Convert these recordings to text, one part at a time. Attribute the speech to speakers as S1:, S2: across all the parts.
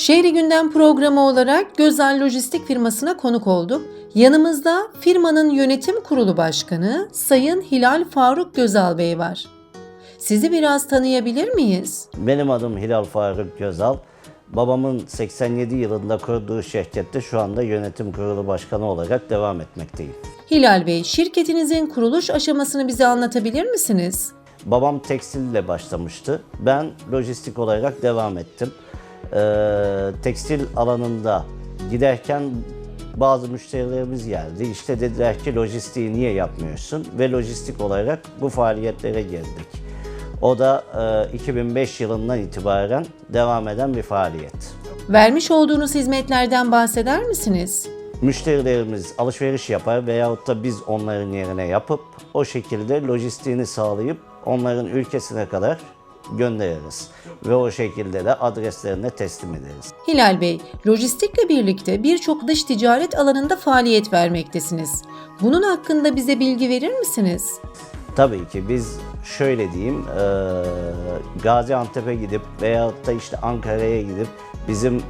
S1: Şehri Gündem programı olarak Gözal Lojistik firmasına konuk olduk. Yanımızda firmanın yönetim kurulu başkanı Sayın Hilal Faruk Gözal Bey var. Sizi biraz tanıyabilir miyiz?
S2: Benim adım Hilal Faruk Gözal. Babamın 87 yılında kurduğu şirkette şu anda yönetim kurulu başkanı olarak devam etmekteyim.
S1: Hilal Bey, şirketinizin kuruluş aşamasını bize anlatabilir misiniz?
S2: Babam tekstille başlamıştı. Ben lojistik olarak devam ettim. Tekstil alanında giderken bazı müşterilerimiz geldi. İşte dediler ki lojistiği niye yapmıyorsun? Ve lojistik olarak bu faaliyetlere girdik. O da 2005 yılından itibaren devam eden bir faaliyet.
S1: Vermiş olduğunuz hizmetlerden bahseder misiniz?
S2: Müşterilerimiz alışveriş yapar veyahut da biz onların yerine yapıp o şekilde lojistiğini sağlayıp onların ülkesine kadar göndeririz. Ve o şekilde de adreslerine teslim ederiz.
S1: Hilal Bey, lojistikle birlikte birçok dış ticaret alanında faaliyet vermektesiniz. Bunun hakkında bize bilgi verir misiniz?
S2: Tabii ki biz şöyle diyeyim, Gaziantep'e gidip veyahut da işte Ankara'ya gidip bizim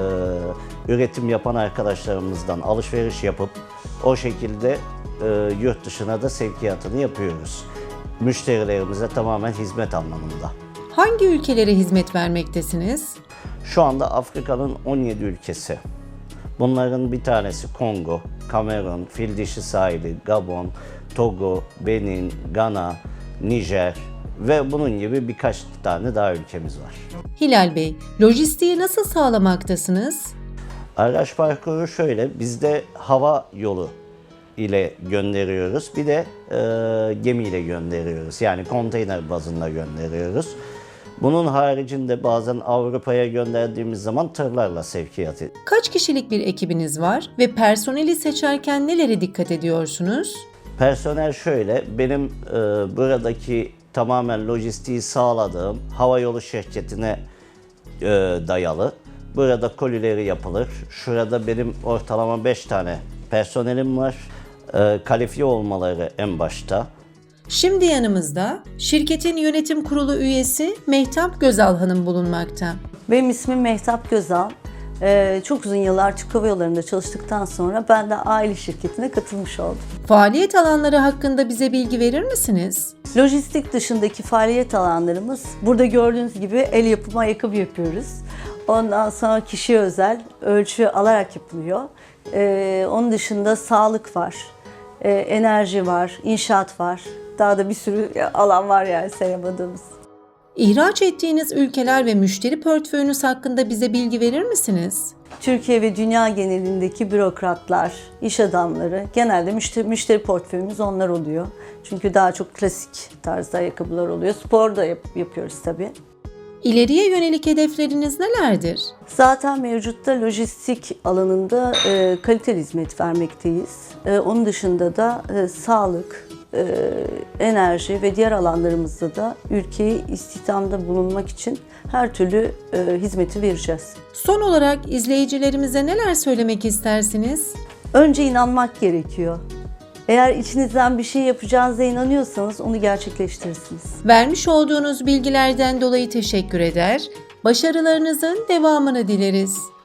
S2: üretim yapan arkadaşlarımızdan alışveriş yapıp o şekilde yurt dışına da sevkiyatını yapıyoruz. Müşterilerimize tamamen hizmet anlamında.
S1: Hangi ülkelere hizmet vermektesiniz?
S2: Şu anda Afrika'nın 17 ülkesi. Bunların bir tanesi Kongo, Kamerun, Fildişi Sahili, Gabon, Togo, Benin, Gana, Nijer ve bunun gibi birkaç tane daha ülkemiz var.
S1: Hilal Bey, lojistiği nasıl sağlamaktasınız?
S2: Araç parkuru şöyle, bizde hava yolu ile gönderiyoruz. Bir de gemiyle gönderiyoruz. Yani konteyner bazında gönderiyoruz. Bunun haricinde bazen Avrupa'ya gönderdiğimiz zaman tırlarla sevkiyat ediyoruz.
S1: Kaç kişilik bir ekibiniz var ve personeli seçerken nelere dikkat ediyorsunuz?
S2: Personel şöyle, benim buradaki tamamen lojistiği sağladığım havayolu şirketine dayalı. Burada kolileri yapılır. Şurada benim ortalama 5 tane personelim var. Kalifiye olmaları en başta.
S1: Şimdi yanımızda şirketin yönetim kurulu üyesi Mehtap Gözal Hanım bulunmakta.
S3: Benim ismim Mehtap Gözal. Çok uzun yıllar Türk Hava Yolları'nda çalıştıktan sonra ben de aile şirketine katılmış oldum.
S1: Faaliyet alanları hakkında bize bilgi verir misiniz?
S3: Lojistik dışındaki faaliyet alanlarımız, burada gördüğünüz gibi el yapımı ayakkabı yapıyoruz. Ondan sonra kişiye özel ölçü alarak yapılıyor. Onun dışında sağlık var, enerji var, inşaat var. Daha da bir sürü alan var yani sayamadığımız.
S1: İhraç ettiğiniz ülkeler ve müşteri portföyünüz hakkında bize bilgi verir misiniz?
S3: Türkiye ve dünya genelindeki bürokratlar, iş adamları, genelde müşteri portföyümüz onlar oluyor. Çünkü daha çok klasik tarzda ayakkabılar oluyor. Spor da yapıyoruz tabii.
S1: İleriye yönelik hedefleriniz nelerdir?
S3: Zaten mevcutta lojistik alanında kaliteli hizmet vermekteyiz. Onun dışında da sağlık, enerji ve diğer alanlarımızda da ülkeyi istihdamda bulunmak için her türlü hizmeti vereceğiz.
S1: Son olarak izleyicilerimize neler söylemek istersiniz?
S3: Önce inanmak gerekiyor. Eğer içinizden bir şey yapacağınıza inanıyorsanız onu gerçekleştirirsiniz.
S1: Vermiş olduğunuz bilgilerden dolayı teşekkür eder, başarılarınızın devamını dileriz.